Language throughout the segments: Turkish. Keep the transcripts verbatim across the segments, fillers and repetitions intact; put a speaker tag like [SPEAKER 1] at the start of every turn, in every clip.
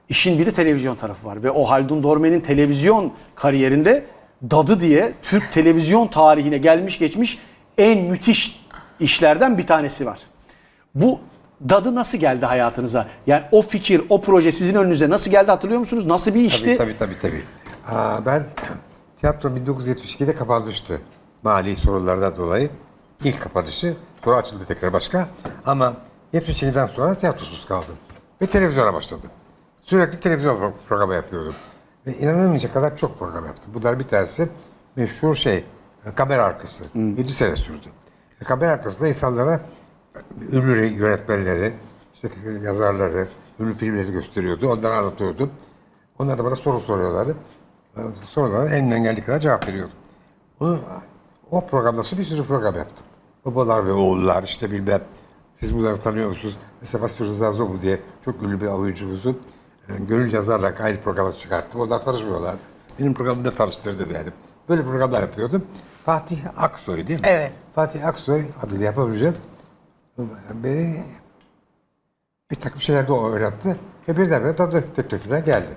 [SPEAKER 1] İşin bir de televizyon tarafı var ve o Haldun Dorme'nin televizyon kariyerinde Dadı diye Türk televizyon tarihine gelmiş geçmiş en müthiş işlerden bir tanesi var. Bu Dadı nasıl geldi hayatınıza? Yani o fikir, o proje sizin önünüze nasıl geldi hatırlıyor musunuz? Nasıl bir işti?
[SPEAKER 2] Tabii tabii tabii. tabii. Aa, ben tiyatro bin dokuz yüz yetmiş ikide kapanmıştı. Mali sorunlardan dolayı. İlk kapanışı. Sonra açıldı tekrar başka. Ama yetmiş ikiden sonra tiyatrosuz kaldım. Ve televizyona başladım. Sürekli televizyon programı yapıyordum. Ve inanılmayacak kadar çok program yaptım. Bunlar bir tanesi meşhur şey, kamera arkası. Hmm. yedi sene sürdü. Ve kamera arkasında insanlara ünlü yönetmenleri, işte yazarları, ünlü filmleri gösteriyordu. Onları anlatıyordum. Onlar da bana soru soruyorlardı. Sorulara elinden geldiği kadar cevap veriyordum. Onu, o programda sonra bir sürü program yaptım. Babalar ve oğullar, işte bilmem. Siz bunları tanıyor musunuz? Mesela Vasfi Rıza Zobu diye çok ünlü bir oyuncumuzu yani gönül yazarla ayrı programa çıkarttım. Onlar tanışmıyorlardı. Benim programımda tanıştırdım yani. Böyle programlar yapıyordum. Fatih Aksoy değil mi?
[SPEAKER 3] Evet.
[SPEAKER 2] Fatih Aksoy adını yapabileceğim. Beni bir takım şeyler de o öğretti. Ve birdenbire Dadı teklifine geldi.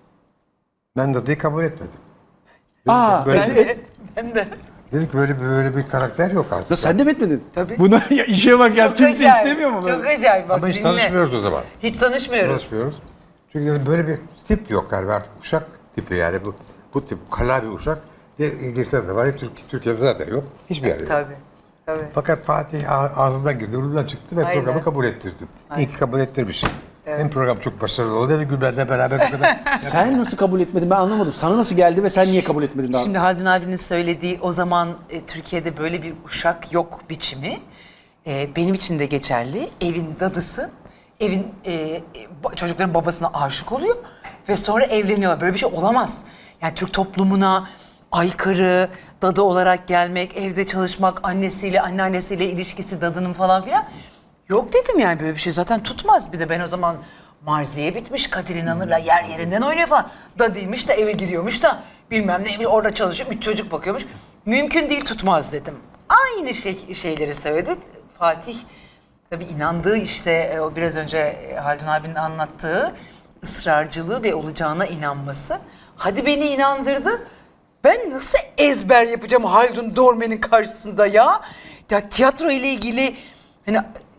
[SPEAKER 2] Ben Dadı'yı kabul etmedim. Dedim
[SPEAKER 1] Aa,
[SPEAKER 2] böyle,
[SPEAKER 3] Ben de. Ben de.
[SPEAKER 2] dedik böyle böyle bir karakter yok artık.
[SPEAKER 1] Ya sen de mi etmedin?
[SPEAKER 3] Tabii.
[SPEAKER 1] Buna ya işe bak ya
[SPEAKER 3] Çok
[SPEAKER 1] kimse
[SPEAKER 3] acayip,
[SPEAKER 1] istemiyor mu?
[SPEAKER 3] Çok acayip. Bak,
[SPEAKER 2] Ama hiç
[SPEAKER 3] dinle.
[SPEAKER 2] tanışmıyoruz o zaman.
[SPEAKER 3] Hiç tanışmıyoruz.
[SPEAKER 2] Tanışmıyoruz. Çünkü yani böyle bir tip yok yani artık uşak tipi yani bu bu tip kala bir uşak. Ya İngiltere'de var ya Türk, Türkiye'de zaten yok. Hiçbir yerde yok.
[SPEAKER 3] Tabii. Tabii.
[SPEAKER 2] Fakat Fatih a- ağzından girdi, burnundan çıktı ve
[SPEAKER 3] Aynen.
[SPEAKER 2] programı kabul ettirdim. İyi ki kabul ettirmişim. Hem program çok başarılı oldu ve Gülben'le beraber bu kadar.
[SPEAKER 1] Sen nasıl kabul etmedin ben anlamadım. Sana nasıl geldi ve sen niye kabul etmedin daha?
[SPEAKER 3] Şimdi Haldun abinin söylediği o zaman e, Türkiye'de böyle bir uşak yok biçimi e, benim için de geçerli. Evin dadısı, evin e, ba- çocukların babasına aşık oluyor ve sonra evleniyorlar. Böyle bir şey olamaz. Yani Türk toplumuna aykırı, dadı olarak gelmek, evde çalışmak, annesiyle, anneannesiyle ilişkisi dadının falan filan. Yok dedim yani böyle bir şey zaten tutmaz. Bir de ben o zaman Marziye bitmiş, Kadir İnanır'la yer yerinden oynuyor falan. Dadıymış da eve giriyormuş da bilmem ne orada çalışıp üç çocuk bakıyormuş. Mümkün değil tutmaz dedim. Aynı şey, şeyleri söyledik. Fatih tabii inandığı işte o biraz önce Haldun abinin anlattığı ısrarcılığı ve olacağına inanması. Hadi beni inandırdı. Ben nasıl ezber yapacağım Haldun Dorme'nin karşısında ya? Ya tiyatro ile ilgili hani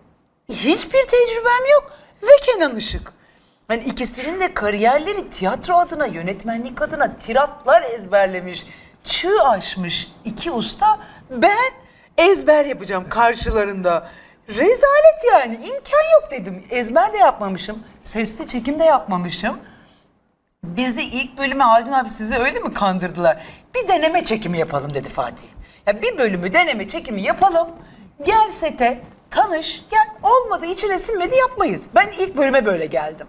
[SPEAKER 3] hiçbir tecrübem yok ve Kenan Işık. Hani ikisinin de kariyerleri tiyatro adına, yönetmenlik adına tiratlar ezberlemiş, çığ aşmış iki usta. Ben ezber yapacağım karşılarında. Rezalet yani, imkan yok dedim. Ezber de yapmamışım, sesli çekim de yapmamışım. Biz de ilk bölüme Haldun abi sizi öyle mi kandırdılar? Bir deneme çekimi yapalım dedi Fatih. Ya bir bölümü deneme çekimi yapalım. Gel sete, tanış, gel. Olmadı, içine sinmedi yapmayız. Ben ilk bölüme böyle geldim.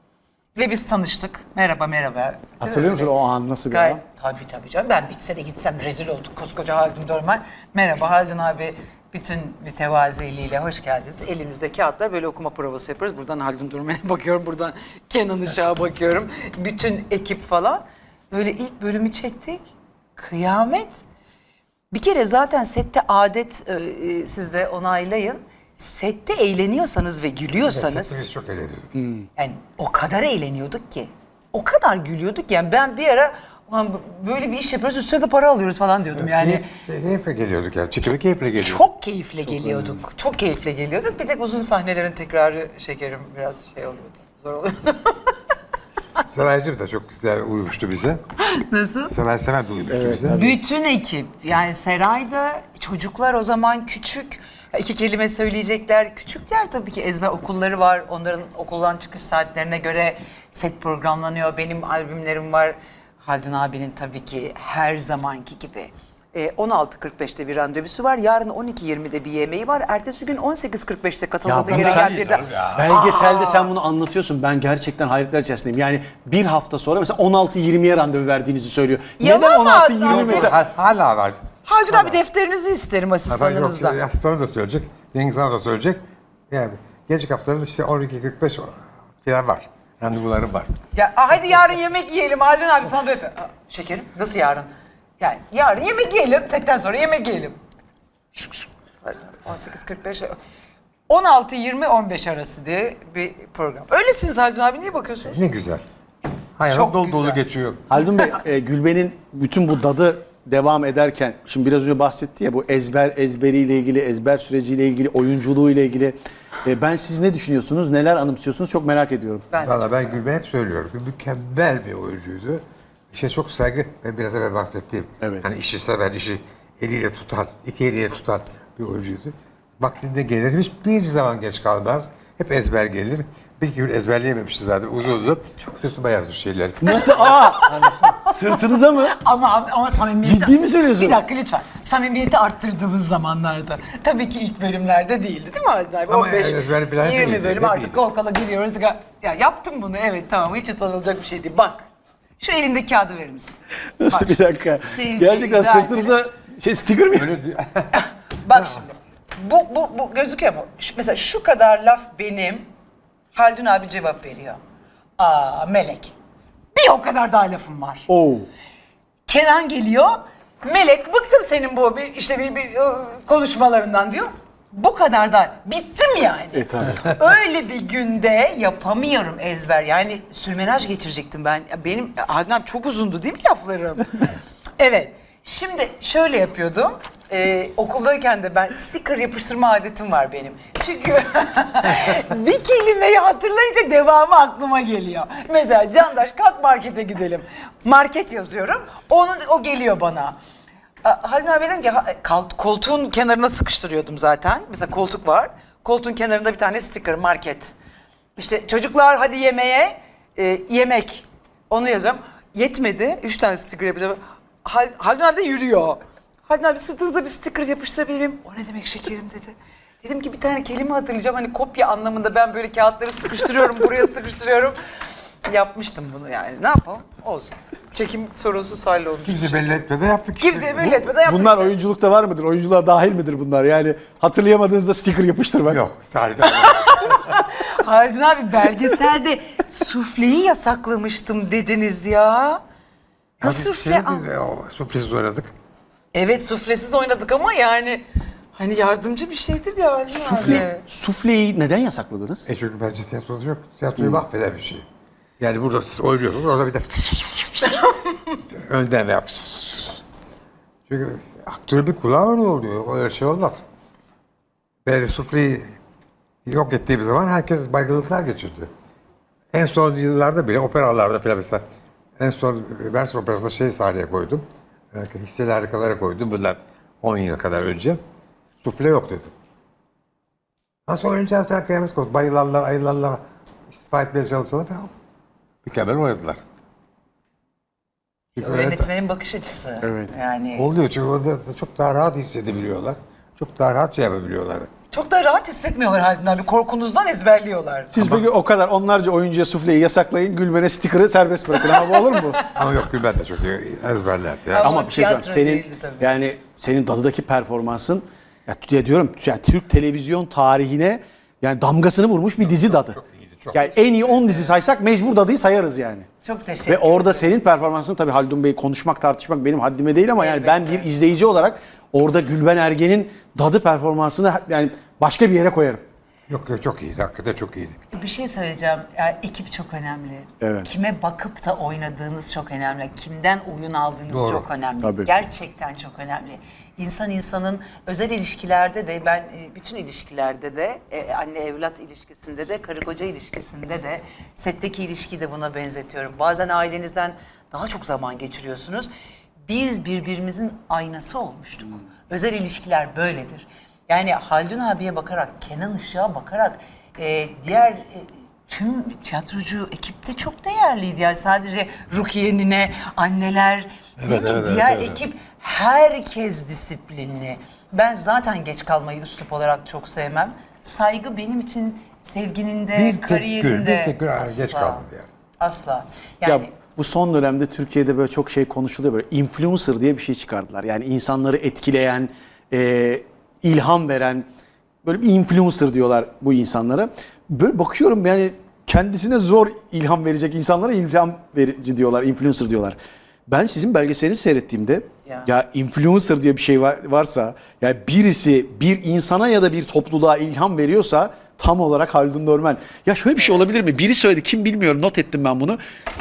[SPEAKER 3] Ve biz tanıştık. Merhaba merhaba.
[SPEAKER 1] Hatırlıyor musun o an nasıl bir
[SPEAKER 3] Gayet,
[SPEAKER 1] an?
[SPEAKER 3] tabii tabii canım. Ben bitse de gitsem rezil olduk. Koskoca Haldun Dormen. Merhaba Haldun abi. Bütün mütevaziliğiyle hoş geldiniz. Elimizde kağıtlar böyle okuma provası yapıyoruz. Buradan Haldun Dormen'e bakıyorum. Buradan Kenan Işık'a bakıyorum. Bütün ekip falan. Böyle ilk bölümü çektik. Kıyamet. Bir kere zaten sette adet, e, siz de onaylayın. Sette eğleniyorsanız ve gülüyorsanız...
[SPEAKER 2] Evet, biz çok eğleniyorduk.
[SPEAKER 3] Yani o kadar eğleniyorduk ki. O kadar gülüyorduk ki. Yani ben bir ara "Ulan böyle bir iş yapıyoruz üstüne de para alıyoruz falan diyordum yani.
[SPEAKER 2] Keyif- Keyifle geliyorduk yani. Çekime keyifle geliyorduk.
[SPEAKER 3] Çok keyifle geliyorduk. Çok keyifle geliyorduk. Bir tek uzun sahnelerin tekrarı şekerim biraz şey oluyordu. Zor oluyordu.
[SPEAKER 2] Saraycım da çok güzel uyumuştu bize.
[SPEAKER 3] Nasıl?
[SPEAKER 2] Saray Sever de uyumuştu bize.
[SPEAKER 3] Bütün ekip yani Seray'da çocuklar o zaman küçük. İki kelime söyleyecekler. Küçükler tabii ki ezber okulları var. Onların okuldan çıkış saatlerine göre set programlanıyor. Benim albümlerim var. Haldun abinin tabii ki her zamanki gibi. Ee, on altı kırk beşte bir randevusu var. Yarın on iki yirmide bir yemeği var. Ertesi gün on sekiz kırk beşte katılması
[SPEAKER 1] bunu
[SPEAKER 3] gereken
[SPEAKER 1] sen-
[SPEAKER 3] bir de...
[SPEAKER 1] Belgeselde sen bunu anlatıyorsun. Ben gerçekten hayretler içerisindeyim. Yani bir hafta sonra mesela on altı yirmiye randevu verdiğinizi söylüyor.
[SPEAKER 3] Yalan
[SPEAKER 1] Neden
[SPEAKER 3] mı
[SPEAKER 1] on altı
[SPEAKER 3] Adnan?
[SPEAKER 1] yirmi
[SPEAKER 2] Yok,
[SPEAKER 1] mesela?
[SPEAKER 2] hal- Hala var.
[SPEAKER 3] Haldun abi defterinizi isterim
[SPEAKER 2] Ama yok,
[SPEAKER 3] asistanınızdan.
[SPEAKER 2] Aslanım da söyleyecek, Cengiz Han da söyleyecek. Yani gelecek haftaların işte on iki kırk beş falan var. Randevularım var.
[SPEAKER 3] Ya aa, hadi yarın yemek yiyelim Haldun abi falan böyle. Aa, şekerim nasıl yarın? Yani yarın yemek yiyelim. Setten sonra yemek yiyelim. Şık şık. on sekiz kırk beş. on altı yirmi on beş arası diye bir program. Öylesiniz Haldun abi, niye bakıyorsunuz?
[SPEAKER 2] Ne güzel. Hayat
[SPEAKER 3] Çok
[SPEAKER 2] dolu dolu
[SPEAKER 3] güzel.
[SPEAKER 2] geçiyor.
[SPEAKER 1] Haldun Bey, e, Gülben'in bütün bu dadı devam ederken, şimdi biraz önce bahsetti ya, bu ezber ezberiyle ilgili, ezber süreciyle ilgili, oyunculuğuyla ilgili. E, ben siz ne düşünüyorsunuz, neler anımsıyorsunuz çok merak ediyorum.
[SPEAKER 3] Ben
[SPEAKER 2] Valla ben Gülben hep söylüyorum ki mükemmel bir oyuncuydu. İşe çok saygı ve biraz evvel bahsettiğim.
[SPEAKER 1] Evet.
[SPEAKER 2] Hani işi seven, işi eliyle tutan, iki eliyle tutan bir oyuncuydu. Vaktinde gelir, hiçbir zaman geç kalmaz. Hep ezber gelir. Bir iki gün ezberleyememişti zaten uzun uzun. Sırtıma yazmış şeyler.
[SPEAKER 1] Nasıl? Aa! Sırtınıza mı?
[SPEAKER 3] Ama ama samimiyeti...
[SPEAKER 1] Ciddi mi söylüyorsun?
[SPEAKER 3] Bir dakika lütfen. Samimiyeti arttırdığımız zamanlarda. Tabii ki ilk bölümlerde değildi değil mi Haldun abi?
[SPEAKER 2] Ama
[SPEAKER 3] on beş,
[SPEAKER 2] ezber falan
[SPEAKER 3] yirmi
[SPEAKER 2] değildi,
[SPEAKER 3] bölüm
[SPEAKER 2] ne
[SPEAKER 3] artık
[SPEAKER 2] değildi?
[SPEAKER 3] kol kola giriyoruz. Ya yaptım bunu, evet tamam, hiç utanılacak bir şey değil. Bak, şu elindeki kağıdı verir misin? Bak,
[SPEAKER 1] Bir dakika.
[SPEAKER 3] Seyirciye
[SPEAKER 1] Gerçekten
[SPEAKER 3] izah
[SPEAKER 1] sırtınıza şey sticker mi?
[SPEAKER 2] Öyle diyor.
[SPEAKER 3] bak şimdi. Bu, bu, bu gözüküyor mu? Şu- mesela şu kadar laf benim. Haldun abi cevap veriyor. Aa Melek. Bir o kadar daha lafım var.
[SPEAKER 1] Oo.
[SPEAKER 3] Kenan geliyor. Melek, bıktım senin bu bir, işte bir, bir e, konuşmalarından diyor. Bu kadar da bittim yani.
[SPEAKER 1] E tabii.
[SPEAKER 3] Öyle bir günde yapamıyorum ezber. Yani sürmenaj geçirecektim ben. Ya benim Haldun abi çok uzundu değil mi laflarım? Evet. Şimdi şöyle yapıyordum. Ee, okuldayken de ben sticker yapıştırma adetim var benim. Çünkü bir kelimeyi hatırlayınca devamı aklıma geliyor. Mesela Candaş, kalk markete gidelim. Market yazıyorum. Onun o geliyor bana. A- Haldun abi dedim ki ha- kal- koltuğun kenarına sıkıştırıyordum zaten. Mesela koltuk var. Koltuğun kenarında bir tane sticker, market. İşte çocuklar hadi yemeğe, e, yemek. Onu yazıyorum. Yetmedi. Üç tane sticker yapacağım. Hal, Haldun abi de yürüyor. Haldun abi, sırtınıza bir sticker yapıştırabilir miyim? O ne demek şekerim dedi. Dedim ki bir tane kelime hatırlayacağım. Hani kopya anlamında ben böyle kağıtları sıkıştırıyorum, buraya sıkıştırıyorum. Yapmıştım bunu yani. Ne yapalım? Olsun. Çekim sorunsuz hallolmuş.
[SPEAKER 2] Kimse belli etmeden yaptık işte.
[SPEAKER 3] Kimseye belli etmeden yaptık
[SPEAKER 1] Bunlar
[SPEAKER 3] işte.
[SPEAKER 1] oyunculukta var mıdır? Oyunculuğa dahil midir bunlar? Yani hatırlayamadığınızda sticker yapıştırmak.
[SPEAKER 2] Yok. Tarihte.
[SPEAKER 3] Haldun abi, belgeselde sufleyi yasaklamıştım dediniz ya. Nasıl sufle?
[SPEAKER 2] Şeydi, o, suflesiz oynadık.
[SPEAKER 3] Evet, suflesiz oynadık ama yani hani yardımcı bir şeydir ya Haldun
[SPEAKER 1] Sufle,
[SPEAKER 3] abi.
[SPEAKER 1] sufleyi neden yasakladınız?
[SPEAKER 2] E çünkü bence tiyatrosu yok. Tiyatroyu mahveden bir şey. Yani burada siz oynuyorsunuz, orada bir de önden yap. Çünkü aktörün bir kulağı orada oluyor. Öyle şey olmaz. Böyle sufleyi yok ettiğimiz zaman herkes baygınlıklar geçirdi. En son yıllarda bile operalarda falan mesela en son Vers Operası'nda şey sahneye koydum. Hisseli harikalara koydum. Bunlar on yıl kadar önce. Sufle yok dedim. Nasıl oynayacağız falan kıyamet koptu. Bayılanlar, ayılanlar, istifa etmeye çalışanlar falan. Mükemmel oynadılar. Çünkü öyle-
[SPEAKER 3] Yönetmenin bakış açısı.
[SPEAKER 1] Evet.
[SPEAKER 3] Yani
[SPEAKER 2] oluyor çünkü orada da çok daha rahat hissedebiliyorlar. Çok daha rahat şey yapabiliyorlar.
[SPEAKER 3] çok da rahat hissetmiyorlar Haldun abi. Korkunuzdan ezberliyorlar.
[SPEAKER 1] Siz peki o kadar onlarca oyuncuya sufleyi yasaklayın, Gülben'e sticker'ı serbest bırakın. Ama bu olur mu?
[SPEAKER 2] Ama yok Gülben de çok iyi ezberlerdi. Yani.
[SPEAKER 3] Ama
[SPEAKER 1] Ama bir şey söyleyeyim.
[SPEAKER 3] tiyatro
[SPEAKER 1] Senin
[SPEAKER 3] değildi tabii.
[SPEAKER 1] yani senin dadıdaki performansın ya, ya diyorum yani Türk televizyon tarihine yani damgasını vurmuş bir dizi dadı.
[SPEAKER 2] çok iyiydi, çok.
[SPEAKER 1] Yani en iyi on dizi saysak mecbur dadıyı sayarız yani.
[SPEAKER 3] Çok teşekkür
[SPEAKER 1] Ve
[SPEAKER 3] ederim.
[SPEAKER 1] orada senin performansın, tabii Haldun Bey konuşmak tartışmak benim haddime değil ama yani ben bir izleyici olarak orada Gülben Ergen'in dadı performansını yani başka bir yere koyarım.
[SPEAKER 2] Yok yok çok iyiydi. Hakikaten çok iyiydi.
[SPEAKER 3] Bir şey söyleyeceğim. Yani ekip çok önemli.
[SPEAKER 1] Evet.
[SPEAKER 3] Kime bakıp da oynadığınız çok önemli. Kimden oyun aldığınız
[SPEAKER 2] Doğru.
[SPEAKER 3] çok önemli.
[SPEAKER 1] Tabii.
[SPEAKER 3] Gerçekten çok önemli. İnsan insanın özel ilişkilerde de, ben e, bütün ilişkilerde de, e, anne evlat ilişkisinde de, karı koca ilişkisinde de, setteki ilişkiyi de buna benzetiyorum. Bazen ailenizden daha çok zaman geçiriyorsunuz. Biz birbirimizin aynası olmuştuk. Özel ilişkiler böyledir. Yani Haldun abiye bakarak, Kenan Işık'a bakarak, e, diğer e, tüm tiyatrocu ekip de çok değerliydi. Yani sadece Rukiye Nine, anneler, değil mi?
[SPEAKER 2] evet,
[SPEAKER 3] Diğer
[SPEAKER 2] evet.
[SPEAKER 3] ekip, herkes disiplinli. Ben zaten geç kalmayı üslup olarak çok sevmem. Saygı benim için sevginin de,
[SPEAKER 2] Bir tek
[SPEAKER 3] kariyerinde
[SPEAKER 2] gün, bir tek gün
[SPEAKER 3] asla.
[SPEAKER 2] geç kalmadı yani.
[SPEAKER 3] Asla. Yani
[SPEAKER 1] Ya bu son dönemde Türkiye'de böyle çok şey konuşuluyor, böyle influencer diye bir şey çıkardılar. Yani insanları etkileyen, e, ilham veren böyle bir influencer diyorlar bu insanlara. Böyle bakıyorum yani kendisine zor ilham verecek insanlara ilham verici diyorlar, influencer diyorlar. Ben sizin belgeselini seyrettiğimde
[SPEAKER 3] ya.
[SPEAKER 1] Ya influencer diye bir şey var, varsa, yani birisi bir insana ya da bir topluluğa ilham veriyorsa tam olarak Haldun Dormen. Ya şöyle bir şey olabilir mi? Biri söyledi, kim bilmiyorum, not ettim ben bunu.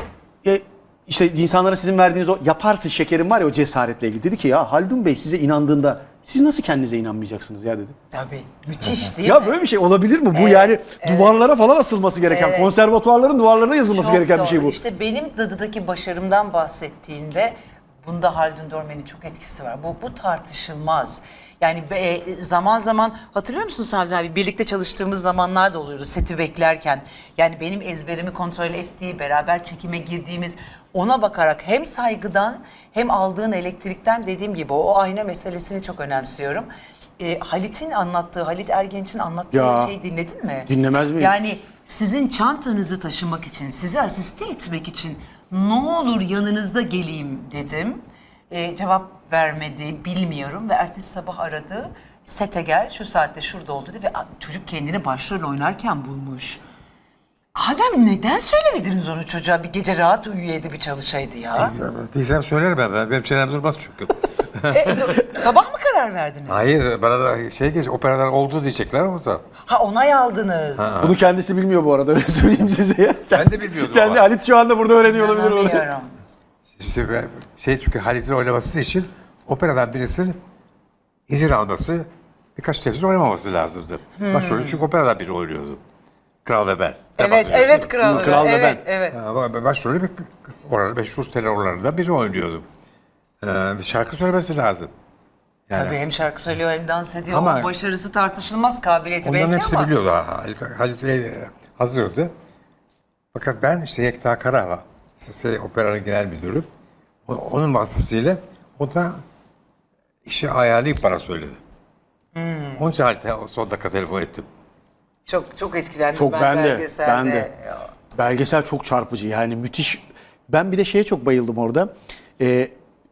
[SPEAKER 1] E, işte insanlara sizin verdiğiniz o yaparsın şekerim var ya, o cesaretle ilgili. Dedi ki ya Haldun Bey size inandığında siz nasıl kendinize inanmayacaksınız ya dedi.
[SPEAKER 3] Tabii. Müthiş değil
[SPEAKER 1] Ya
[SPEAKER 3] mi?
[SPEAKER 1] böyle bir şey olabilir mi? Bu
[SPEAKER 3] Evet,
[SPEAKER 1] yani
[SPEAKER 3] evet.
[SPEAKER 1] duvarlara falan asılması gereken,
[SPEAKER 3] Evet.
[SPEAKER 1] konservatuvarların duvarlarına yazılması
[SPEAKER 3] Çok
[SPEAKER 1] gereken
[SPEAKER 3] doğru.
[SPEAKER 1] bir şey bu.
[SPEAKER 3] İşte benim Dadı'daki başarımdan bahsettiğinde bunda Haldun Dormen'in çok etkisi var. Bu, bu tartışılmaz. Yani e, zaman zaman hatırlıyor musun Haldun abi? Birlikte çalıştığımız zamanlar da oluyordu seti beklerken. Yani benim ezberimi kontrol ettiği, beraber çekime girdiğimiz, ona bakarak hem saygıdan hem aldığın elektrikten, dediğim gibi o ayna meselesini çok önemsiyorum. E, Halit'in anlattığı, Halit Ergenç'in anlattığı
[SPEAKER 1] Ya,
[SPEAKER 3] şeyi dinledin mi?
[SPEAKER 1] dinlemez miyim?
[SPEAKER 3] Yani sizin çantanızı taşımak için, sizi asiste etmek için ne olur yanınızda geleyim dedim. Ee, cevap vermedi, bilmiyorum, ve ertesi sabah aradı. Sete gel, şu saatte şurada oldu dedi ve çocuk kendini başrol oynarken bulmuş. Haldun, neden söylemediniz onu çocuğa? Bir gece rahat uyuyaydı, bir çalışaydı ya.
[SPEAKER 2] Bilsem söylerim ben. ben. Benim çenem durmaz çünkü.
[SPEAKER 3] e, dur, sabah mı karar verdiniz?
[SPEAKER 2] Hayır, bana da şey geç, operalar oldu diyecekler o da.
[SPEAKER 3] Ha, onay aldınız.
[SPEAKER 1] Bunu kendisi bilmiyor bu arada, öyle söyleyeyim size ya.
[SPEAKER 2] Ben de bilmiyordum
[SPEAKER 1] Kendi
[SPEAKER 2] ama.
[SPEAKER 1] Halit şu anda burada öğreniyor olabilir. onu.
[SPEAKER 3] İnanamıyorum.
[SPEAKER 2] İşte ben- şey çünkü Halit'in oynaması için operadan birisinin izin alması, birkaç televizyon oynamaması lazımdı. Başrolü çünkü operadan biri oynuyordu. Kral ve ben.
[SPEAKER 3] Evet, evet kral.
[SPEAKER 1] Kral ve
[SPEAKER 3] evet,
[SPEAKER 1] ben.
[SPEAKER 3] evet.
[SPEAKER 2] Ha, başrolü bir orada meşhur tenorlarından biri oynuyordu. Ee, bir şarkı söylemesi lazım. Yani
[SPEAKER 3] Tabii hem şarkı söylüyor hem dans ediyor.
[SPEAKER 2] Ama-
[SPEAKER 3] O başarısı tartışılmaz, kabiliyeti
[SPEAKER 2] onların
[SPEAKER 3] belki
[SPEAKER 2] hepsi
[SPEAKER 3] ama.
[SPEAKER 2] biliyordu. Ha, Halit, Halit Bey hazırdı. Fakat ben işte Yekta Karahava, şey, operanın genel müdürü. O- Onun vasıtasıyla o da işi ayarlayıp bana söyledi.
[SPEAKER 3] Hmm.
[SPEAKER 2] Onun için Halit'e o son dakika telefon ettim.
[SPEAKER 3] Çok çok etkilendim
[SPEAKER 1] Çok,
[SPEAKER 3] ben,
[SPEAKER 1] ben de,
[SPEAKER 3] belgeselde.
[SPEAKER 1] ben de. Belgesel çok çarpıcı, yani müthiş. Ben bir de şeye çok bayıldım orada. Ee,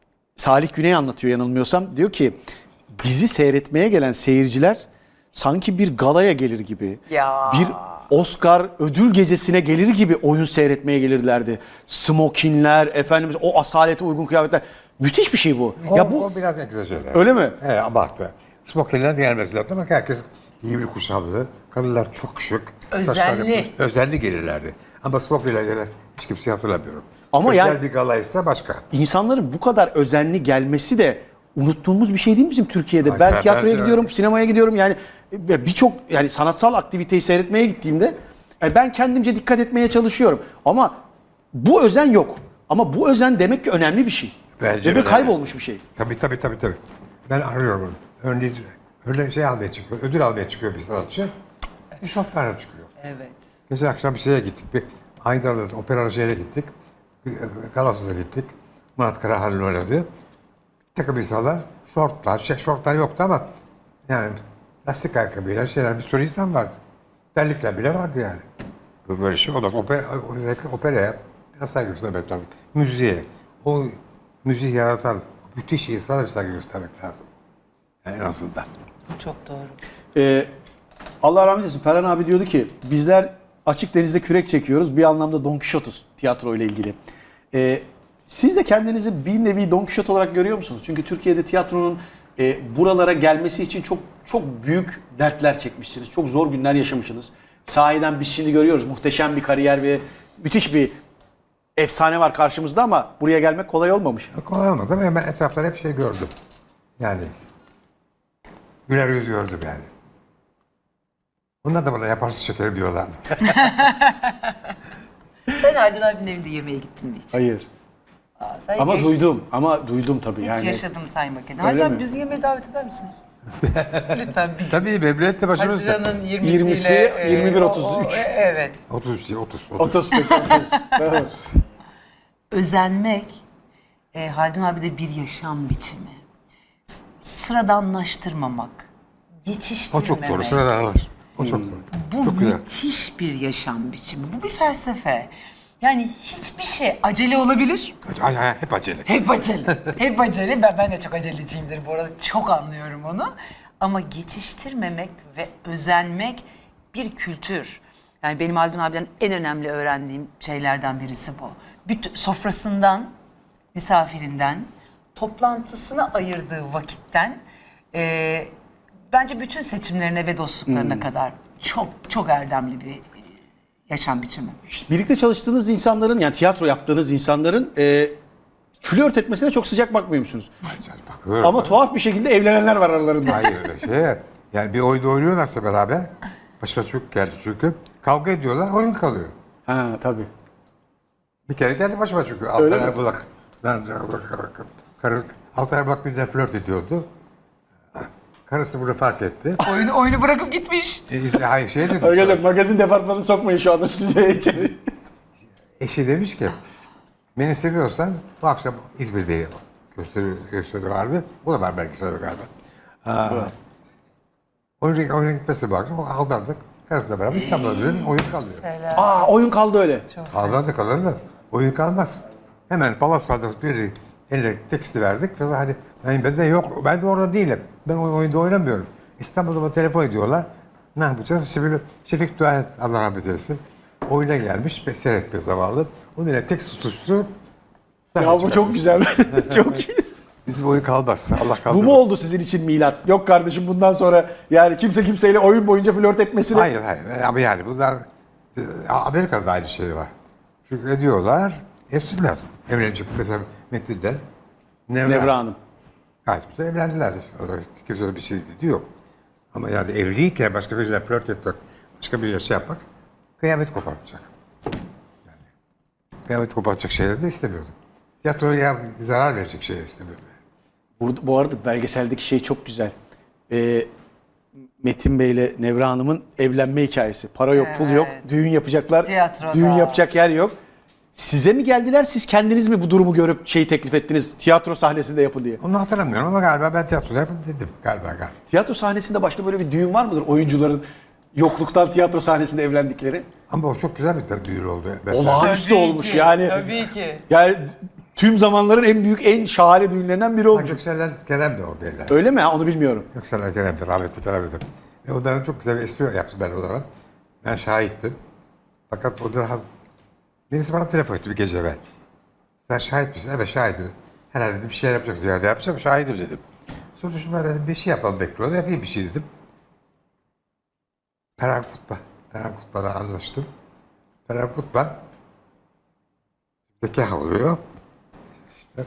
[SPEAKER 1] Salih Güney anlatıyor yanılmıyorsam. Diyor ki bizi seyretmeye gelen seyirciler sanki bir galaya gelir gibi.
[SPEAKER 3] Ya.
[SPEAKER 1] Bir Oscar ödül gecesine gelir gibi oyun seyretmeye gelirlerdi. Smokinler, efendimiz o asalete uygun kıyafetler. Müthiş bir şey bu.
[SPEAKER 2] O,
[SPEAKER 1] ya bu
[SPEAKER 2] o biraz egzajere.
[SPEAKER 1] öyle mi?
[SPEAKER 2] He, abartı. Smokinler gelmesi lazım ama herkes iyi bir kuşamlı. Kadınlar çok şık.
[SPEAKER 3] Özenli.
[SPEAKER 2] Saçları- Özenli gelirlerdi. Ama smokinler gelen hiç kimseyi hatırlamıyorum.
[SPEAKER 1] Ama
[SPEAKER 2] Özel
[SPEAKER 1] yani-
[SPEAKER 2] bir galaysa başka.
[SPEAKER 1] İnsanların bu kadar özenli gelmesi de unuttuğumuz bir şey değil mi bizim Türkiye'de?
[SPEAKER 2] Ay,
[SPEAKER 1] Ben
[SPEAKER 2] ben-
[SPEAKER 1] tiyatroya
[SPEAKER 2] ben-
[SPEAKER 1] gidiyorum, sinemaya gidiyorum, yani birçok yani sanatsal aktiviteyi seyretmeye gittiğimde yani ben kendimce dikkat etmeye çalışıyorum. Ama bu özen yok. Ama bu özen demek ki önemli bir şey.
[SPEAKER 2] Bence
[SPEAKER 1] Ve bir
[SPEAKER 2] önemli.
[SPEAKER 1] kaybolmuş bir şey.
[SPEAKER 2] Tabii tabii tabii tabii. Ben arıyorum onu. Örneğin öyle şey almaya çıkıyor, ödül almaya çıkıyor bir sanatçı. Bir şoförle çıkıyor.
[SPEAKER 3] Evet.
[SPEAKER 2] Geçen akşam bir şeye gittik. Bir Aydar'da opera şehre gittik. Bir Galas'ta gittik. Murat Karahan'ın oynadığı. Bir takım insanlar, şortlar, şey, şortlar yoktu ama yani lastik ayakkabıyla şeyler, bir sürü insan vardı. Terlikler bile vardı yani. Bu böyle şey olmaz. Opera, operaya biraz saygı göstermek lazım. Müziğe, o müziği yaratan o müthiş insana bir saygı göstermek lazım. Yani en azından.
[SPEAKER 3] Çok doğru.
[SPEAKER 1] Ee, Allah rahmet eylesin, Ferhan abi diyordu ki bizler açık denizde kürek çekiyoruz. Bir anlamda Don Quixote'uz tiyatro ile ilgili. Ee, siz de kendinizi bir nevi Don Quixote olarak görüyor musunuz? Çünkü Türkiye'de tiyatronun e, buralara gelmesi için çok çok büyük dertler çekmişsiniz. Çok zor günler yaşamışsınız. Sahiden biz şimdi görüyoruz muhteşem bir kariyer ve müthiş bir efsane var karşımızda ama buraya gelmek kolay olmamış.
[SPEAKER 2] Kolay olmadı ama ben etraftan hep şey gördüm. Yani güler yüz gördüm yani. Onlar da bana yaparsız şekerim diyorlardı.
[SPEAKER 3] Sen Haldun abinin evinde yemeğe gittin mi hiç?
[SPEAKER 1] Hayır.
[SPEAKER 3] Aa, sen
[SPEAKER 1] Ama
[SPEAKER 3] geç-
[SPEAKER 1] duydum. Ama duydum tabii
[SPEAKER 3] Hiç
[SPEAKER 1] yani.
[SPEAKER 3] yaşadım saymak edin.
[SPEAKER 1] Öyle
[SPEAKER 3] Haldun abi
[SPEAKER 1] mi?
[SPEAKER 3] bizi yemeğe davet eder misiniz? Lütfen bir
[SPEAKER 2] Tabii memnuniyetle başarırız.
[SPEAKER 3] Haziran'ın yirmisiyle.
[SPEAKER 1] yirmisi,
[SPEAKER 3] e,
[SPEAKER 1] yirmi bir
[SPEAKER 3] o-
[SPEAKER 1] otuz üç.
[SPEAKER 3] o- e, Evet.
[SPEAKER 2] otuz üç değil, otuz. otuz.
[SPEAKER 1] Otospektakl. Evet.
[SPEAKER 3] Özenmek e, Haldun abi de bir yaşam biçimi. S- Sıradanlaştırmamak.
[SPEAKER 2] O
[SPEAKER 3] Geçiştirmemek.
[SPEAKER 2] çok doğru. Sıradan alır. O çok doğru.
[SPEAKER 3] Bu
[SPEAKER 2] Çok güzel.
[SPEAKER 3] müthiş bir yaşam biçimi. Bu bir felsefe. Yani hiçbir şey acele olabilir.
[SPEAKER 2] Ay, ay, hep acele.
[SPEAKER 3] Hep acele. Hep acele. Ben, ben de çok aceleciyimdir bu arada. Çok anlıyorum onu. Ama geçiştirmemek ve özenmek bir kültür. Yani benim Haldun abiden en önemli öğrendiğim şeylerden birisi bu. Bütün, sofrasından, misafirinden, toplantısına ayırdığı vakitten e, bence bütün seçimlerine ve dostluklarına kadar çok çok erdemli bir yaşam biçimi.
[SPEAKER 1] Birlikte çalıştığınız insanların, yani tiyatro yaptığınız insanların e, flört etmesine çok sıcak bakmıyor musunuz?
[SPEAKER 2] Bakıyorum.
[SPEAKER 1] Ama tuhaf bir şekilde evlenenler var aralarında.
[SPEAKER 2] Hayır öyle şey. Yani bir oyunda oynuyorlarsa beraber, başıma çok geldi çünkü. Kavga ediyorlar, oyun kalıyor.
[SPEAKER 1] Ha tabii.
[SPEAKER 2] Bir kere geldi başıma çünkü.
[SPEAKER 1] Öyle
[SPEAKER 2] Altan
[SPEAKER 1] mi?
[SPEAKER 2] Erbulak. Ben karı, Altan Erbulak birden flört ediyordu. Karısı bunu fark etti.
[SPEAKER 3] Oyunu oyunu bırakıp gitmiş.
[SPEAKER 2] E, izle- hayır şey demiş.
[SPEAKER 1] Arkadaşlar magazin departmanı sokmayın şu anda sizi içeri.
[SPEAKER 2] Eşi demiş ki, beni seviyorsan bu akşam İzmir'de gösteri, gösteri vardı. O da var belgeselde galiba. Aa, oyuna, oyuna gitmesi vardı. O aldandık. Karısıyla beraber İstanbul'a dönüp oyun kalıyor.
[SPEAKER 1] Aa oyun kaldı öyle.
[SPEAKER 2] Aldandık kalır mı? Oyun kalmaz. Hemen Palas Palas bir eline teksti verdik. Ve hani yani ben de yok, ben de orada değilim. Ben o oyunda oynamıyorum. İstanbul'da bana telefon ediyorlar. Ne yapacağız? Şimdi Şefik Doğan, Allah rahmet eylesin, oyuna gelmiş ve seyretme zamanlı. Onun eline tekst tutuştu.
[SPEAKER 1] Ya bu çok güzel. Çok iyi.
[SPEAKER 2] Bizim oyun kalmaz. Allah kaldırmasın.
[SPEAKER 1] Bu mu oldu sizin için milat? Yok kardeşim bundan sonra yani kimse kimseyle oyun boyunca flört etmesine...
[SPEAKER 2] Hayır hayır. Ama yani bunlar e, Amerika'da da aynı şey var. Çünkü ediyorlar, etsinler. Evlenecek mesela Metin'den. Nevra.
[SPEAKER 1] Nevra Hanım.
[SPEAKER 2] Gayet güzel evlendiler. O da kimsenin bir şey dediği yok. Ama yani evliyken başka biriyle flört etmek, başka biriyle şey yapmak kıyamet kopartacak. Yani, kıyamet kopartacak şeyleri de istemiyordum. Tiyatroya zarar verecek şeyler istemiyordum.
[SPEAKER 1] Burada, bu arada belgeseldeki şey çok güzel. Ee, Metin Bey ile Nevra Hanım'ın evlenme hikayesi. Para yok, pul yok.
[SPEAKER 3] Evet.
[SPEAKER 1] Düğün yapacaklar.
[SPEAKER 3] Tiyatroda.
[SPEAKER 1] Düğün yapacak yer yok. Size mi geldiler, siz kendiniz mi bu durumu görüp şeyi teklif ettiniz? Tiyatro sahnesinde yapın diye.
[SPEAKER 2] Onu hatırlamıyorum ama galiba ben tiyatroda yapın dedim. Galiba galiba.
[SPEAKER 1] Tiyatro sahnesinde başka böyle bir düğün var mıdır? Oyuncuların yokluktan tiyatro sahnesinde evlendikleri.
[SPEAKER 2] Ama o çok güzel bir düğün oldu. Mesela.
[SPEAKER 1] Olağanüstü
[SPEAKER 3] Tabii
[SPEAKER 1] olmuş
[SPEAKER 3] ki,
[SPEAKER 1] yani.
[SPEAKER 3] tabii ki.
[SPEAKER 1] Yani tüm zamanların en büyük, en şahane düğünlerinden biri
[SPEAKER 2] Ha,
[SPEAKER 1] olmuş.
[SPEAKER 2] Göksel'den Kerem de oradaydı.
[SPEAKER 1] Öyle mi? Ha, onu bilmiyorum.
[SPEAKER 2] Göksel'den Kerem de rahmetli Kerem de. Ve onların çok güzel bir espri yaptı ben onlara. Ben şahittim. Fakat o da birisi bana telefon etti bir gece evvel. Sen şahit misin? Evet şahidim. Herhalde dedim, bir şey yapacaksın. Yani yapacağım şahidim dedim. Sonra düşündüm dedim bir şey yapalım bekliyorlar. Yapayım bir şey dedim. Peren Kutba. Peren Kutba'da anlaştım. Peren Kutba nikah oluyor. İşte.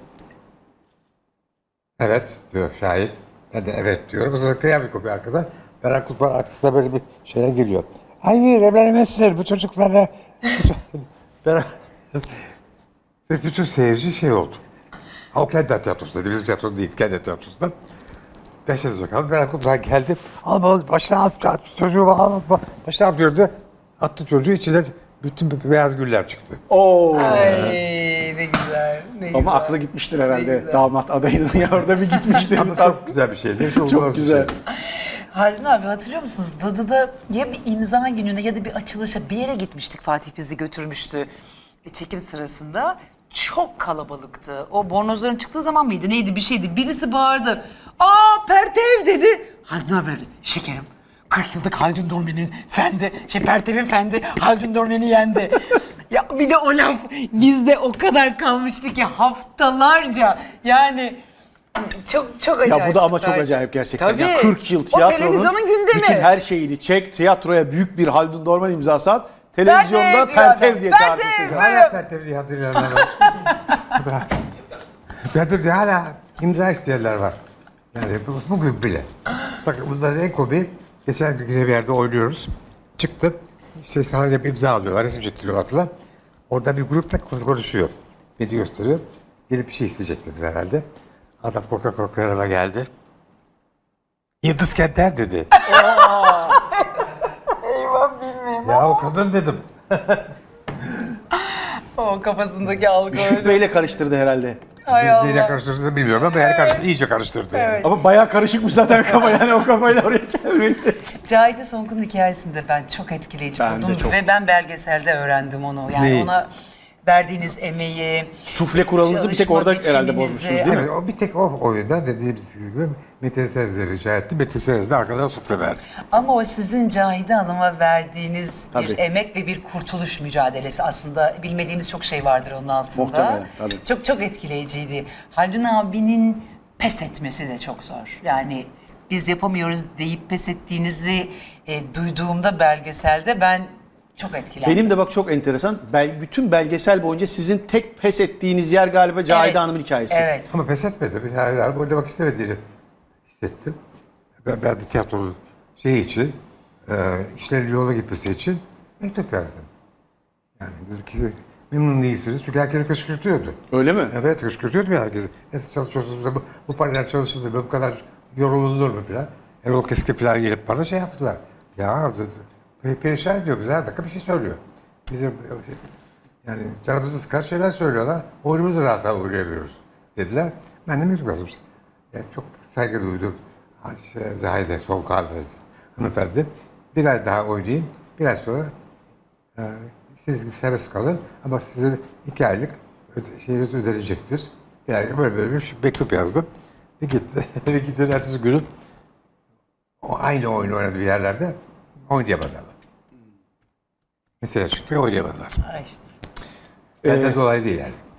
[SPEAKER 2] Evet diyor şahit. Ben de evet diyorum. O zaman kıyamet kopuyor arkada. Peren Kutba'nın arkasında böyle bir şeyler geliyor. Hayır evlenemezsin bu çocuklarla. Peren... Ve bütün seyirci şey oldu. O kendi tiyatrosunda, bizim tiyatro değil, kendi tiyatrosunda. Dehşet kaldı. Peren Kutba geldi. Al bana başına at, at çocuğu al, başına at diyordu. Attı çocuğu içine bütün beyaz güller çıktı.
[SPEAKER 1] Oo.
[SPEAKER 3] Ay ne güzel. Ne
[SPEAKER 1] Ama
[SPEAKER 3] güzel.
[SPEAKER 1] aklı gitmiştir herhalde
[SPEAKER 3] Ne güzel.
[SPEAKER 1] damat adayının ya orada bir gitmiştir.
[SPEAKER 2] Ama çok güzel bir şeydi. Hiç olmaz
[SPEAKER 1] Çok
[SPEAKER 2] bir
[SPEAKER 1] güzel.
[SPEAKER 2] şey.
[SPEAKER 3] Haldun abi hatırlıyor musunuz? Dadı'da ya bir imza gününe ya da bir açılışa bir yere gitmiştik. Fatih bizi götürmüştü çekim sırasında. Çok kalabalıktı. O bornozların çıktığı zaman mıydı neydi bir şeydi. Birisi bağırdı. Aa Pertev dedi. Haldun abi dedi, şekerim. kırk yıllık Haldun Dormen'in fendi, şey Pertev'in fendi Haldun Dormen'i yendi. Ya bir de o laf bizde o kadar kalmıştı ki haftalarca yani çok çok acayip.
[SPEAKER 1] Ya bu da ama çok acayip gerçekten.
[SPEAKER 3] Tabii.
[SPEAKER 1] Ya kırk yıl
[SPEAKER 3] O
[SPEAKER 1] tiyatronun
[SPEAKER 3] televizyonun gündemi.
[SPEAKER 1] bütün her şeyini çek, tiyatroya büyük bir Haldun Dorman imzası at, televizyonda
[SPEAKER 3] diyor
[SPEAKER 1] Pertev
[SPEAKER 3] adam,
[SPEAKER 1] diye
[SPEAKER 3] Pertev.
[SPEAKER 1] çağırsın sizi.
[SPEAKER 2] Hala Pertev diye hatırlayanlar var. Pertev diye hala imza isteyenler var. Yani bu- bugün bile. Bakın bunların en komiği, geçen gün yine bir yerde oynuyoruz. Çıktı, işte sahneye bir imza alıyorlar, resim çektiriyorlar falan. Orada bir grupta konuşuyor. Beni gösteriyor. Gelip bir şey isteyecek dedi herhalde. Adam korka korka yanıma geldi. Yıldız Kenter dedi.
[SPEAKER 3] Eyvah bilmiyorum.
[SPEAKER 2] Ya o kadın dedim.
[SPEAKER 3] O kafasındaki algı
[SPEAKER 1] Şükrü
[SPEAKER 3] öyle.
[SPEAKER 1] Bey'le karıştırdı herhalde.
[SPEAKER 3] Hay
[SPEAKER 2] Neyle
[SPEAKER 3] Allah.
[SPEAKER 2] karıştırdığını bilmiyorum ama yani karıştırdı, iyice karıştırdı. Yani.
[SPEAKER 3] Evet.
[SPEAKER 1] Ama bayağı karışıkmış zaten kafa yani o kafayla oraya gelmekte.
[SPEAKER 3] Cahide Sonkun'un hikayesinde ben çok etkileyici
[SPEAKER 1] Ben de
[SPEAKER 3] buldum
[SPEAKER 1] çok.
[SPEAKER 3] ve ben belgeselde öğrendim onu. Yani
[SPEAKER 2] Neyi?
[SPEAKER 3] ona verdiğiniz emeği,
[SPEAKER 1] Sufle kuralınızı bir tek orada
[SPEAKER 3] çalışma
[SPEAKER 1] herhalde
[SPEAKER 3] biçiminizi-
[SPEAKER 1] bozmuşsunuz değil mi?
[SPEAKER 2] Evet, o bir tek o oyunda dediğimiz gibi Metin Serez'e rica etti. Metin Serez de arkadan sufle verdi.
[SPEAKER 3] Ama o sizin Cahide Hanım'a verdiğiniz
[SPEAKER 1] Tabii.
[SPEAKER 3] bir emek ve bir kurtuluş mücadelesi aslında. Bilmediğimiz çok şey vardır onun altında.
[SPEAKER 1] Muhtemelen, tabii.
[SPEAKER 3] Çok çok etkileyiciydi. Haldun abinin pes etmesi de çok zor. Yani biz yapamıyoruz deyip pes ettiğinizi e, duyduğumda belgeselde ben çok etkilendim.
[SPEAKER 1] Benim de bak çok enteresan. Bel, bütün belgesel boyunca sizin tek pes ettiğiniz yer galiba Cahide
[SPEAKER 3] Evet.
[SPEAKER 1] Hanım'ın hikayesi.
[SPEAKER 3] Evet.
[SPEAKER 2] Ama pes etmedi. Bir hala oynamak istemediğini hissettim. Ben, ben de tiyatronun şeyi için, e, işlerin yola gitmesi için mektup yazdım. Yani dedi ki memnun değilsiniz çünkü herkesi kışkırtıyordu.
[SPEAKER 1] Öyle mi?
[SPEAKER 2] Evet kışkırtıyordu ya herkesi. Nasıl çalışıyorsunuz da bu, bu parayla çalışılır mı, bu kadar yorulunur mu filan. Erol Keskin filan gelip bana şey yaptılar. Ya dedi, pe- perişan ediyor bize her dakika bir şey söylüyor. Bizim yani canımızı sıkar şeyler söylüyorlar. Oyunumuzu rahat oynayamıyoruz dediler. Ben de mektup yazmıştım. Yani çok saygı duydum. Şey, Zahide Solkağ hanımefendi. Bir ay daha oynayayım. Bir ay sonra e, siz gibi serbest kalın ama size iki aylık öde, şeyiniz ödenecektir. Yani böyle böyle bir mektup yazdım. Ve gitti. Ve gitti ertesi günü o aynı oyunu oynadı bir yerlerde oynayamadılar. Mesela çıktı oynayamadılar.
[SPEAKER 3] Ha işte.
[SPEAKER 2] Benden dolayı değil yani.